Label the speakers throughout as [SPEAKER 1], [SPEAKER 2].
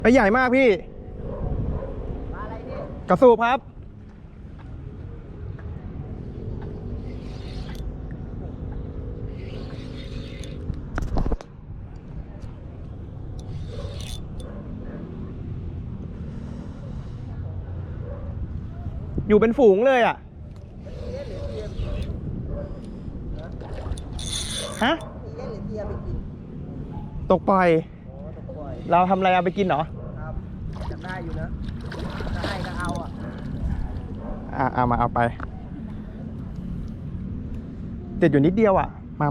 [SPEAKER 1] ไปใหญ่มากพี่ปลาอะไรพี่กระสูบครับอยู่เป็นฝูงเลยอ่ะฮะตกปล่อยเราทำอะไรเอาไปกินเหรอครับอยากได้อยู่นะถ้าให้ก็เอาเอามาเอาไปติดอยู่นิดเดียวอ่ะมา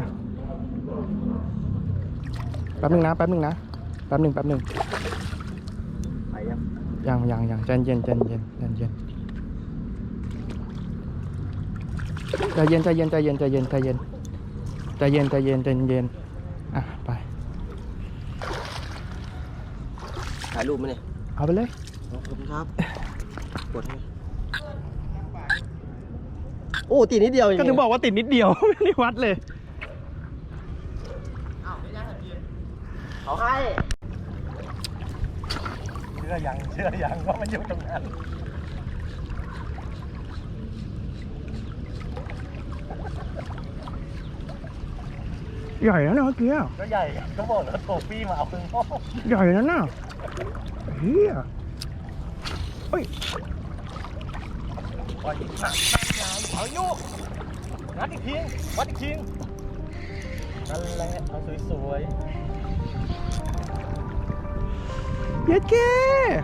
[SPEAKER 1] แป๊บนึงนะแป๊บนึงไปยังใจเย็นใจเย็นอ่ะไป
[SPEAKER 2] ถ่ายรูปไหมเนี่ย
[SPEAKER 1] เอาไปเลย
[SPEAKER 2] ขอบคุณครับกดให้โอ้ติดนิดเดียว
[SPEAKER 1] ก็ถึงบอกว่าติดนิดเดียวไม่ได้วัดเลย
[SPEAKER 2] เขาให้
[SPEAKER 1] เชื่อยังว่ามันอยู่ตรงนั้นใหญ่แล้วนะเมื่อกี้
[SPEAKER 2] ก็ใหญ่ก็บอกแล้วโทฟี่มาเอาครึ่งพ่อ
[SPEAKER 1] ใหญ่แล้วนะเฮียเฮ้ย
[SPEAKER 2] ปล่อยอีกหนักเอาอยู่งัดอีกทีวัดอีกทีนั่นแหละเอาสวย
[SPEAKER 1] เย็ดเก้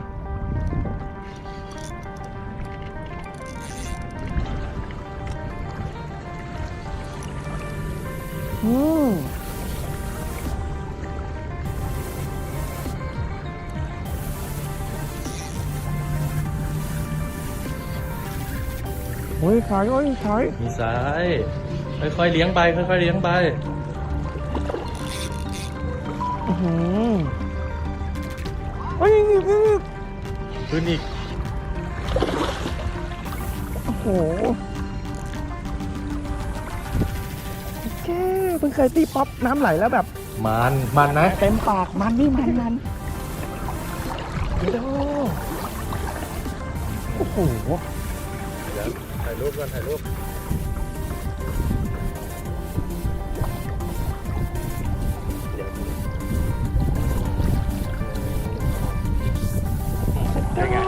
[SPEAKER 1] โอ้ยขาย
[SPEAKER 3] มีสายค่อยๆเลี้ยงไปค่อยๆเลี้ยงไป
[SPEAKER 1] โอ้ย
[SPEAKER 3] ขึ้นอีก
[SPEAKER 1] โอ้โหแค่เพิ่งเคยตีป๊อปน้ำไหลแล้วแบบ
[SPEAKER 3] มันนะ
[SPEAKER 1] เต็มปากมันนี่มันโอ้โห
[SPEAKER 3] เดี๋ยวถ่ายรูปกันถ่ายรูป
[SPEAKER 1] ยังไง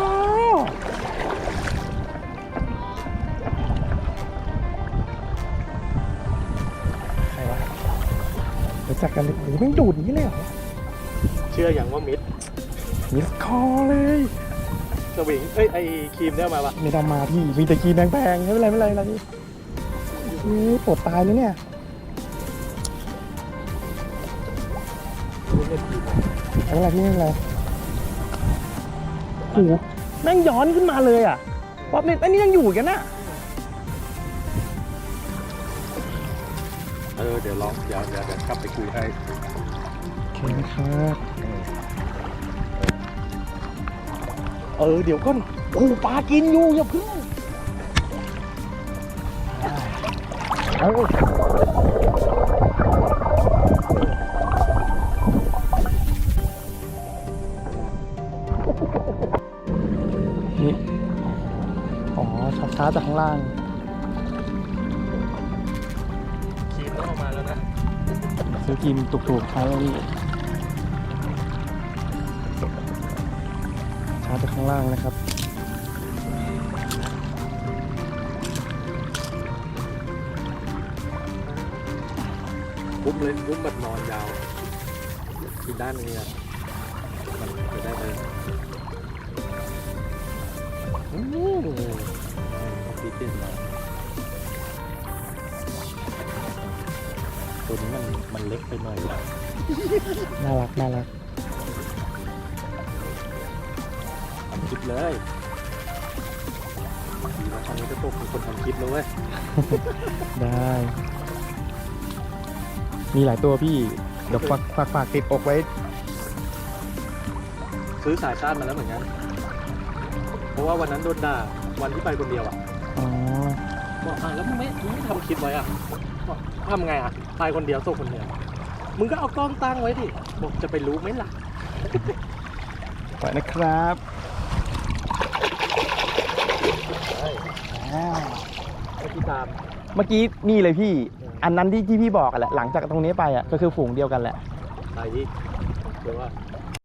[SPEAKER 1] ใครวะรู้จักกันเลยหรือไม่ดูดนี้เลยเหรอ
[SPEAKER 3] เชื่ออย่างว่ามิด
[SPEAKER 1] คอเลย
[SPEAKER 3] สวิงไอครีมได้มาปะ
[SPEAKER 1] ไม่ต้องมาพี่มีแต่ครีมแพงๆไม่เป็นไรนี่ปวดตายเลยเนี่ยอะไรพี่อะไรโอ้โหแม่งย้อนขึ้นมาเลยอ่ะป๊อปเนี่ยอันนี้ยังอยู่กันนะ
[SPEAKER 3] เดี๋ยวลองเดี๋ยวกลับไปคุยให้
[SPEAKER 1] โอเคครับเดี๋ยวก่อนโอ้ปลากินอยู่อย่าพึ่งนี่ช้าจากข้างล่าง
[SPEAKER 3] ครีมต้องออกมาแล้วนะ
[SPEAKER 1] ซื้อครีมถูกๆใช้แล้วนี่ช้าจากข้างล่างนะครับ
[SPEAKER 3] บุ้มบัดนอนยาวที่ด้านนี้อ่ะมันจะได้เลยตีเต้นมาตัวนี้มันเล็กไปหน่อยแล้ว
[SPEAKER 1] น่ารัก
[SPEAKER 3] ทำคลิปเลยตอนนี้จะตกเป็นคนทำคลิปแล้วเว้ย
[SPEAKER 1] ได้มีหลายตัวพี่เดี๋ยวฝากติดอกไว้
[SPEAKER 3] ซื้อสายชาติมาแล้วเหมือนกันเพราะว่าวันนั้นโดนด่าวันที่ไปคนเดียวอ่ะบอกแล้วมึงไม่ทำคลิปไว้อ่ะทำไงอ่ะไปคนเดียวส่งคนเดียวมึงก็เอากล้องตั้งไว้ดิบอกจะไปรู้ไหมล่ะ
[SPEAKER 1] ปล่อยนะครับอ่า
[SPEAKER 3] เมื่อกี้ตาม
[SPEAKER 1] เมื่อกี้นี่เลยพี่ อันนั้นที่พี่บอกกันแหละ หลังจากตรงนี้ไปอ่ะก็คือฝูงเดียวกันแหละ
[SPEAKER 3] ไปที่คือว่า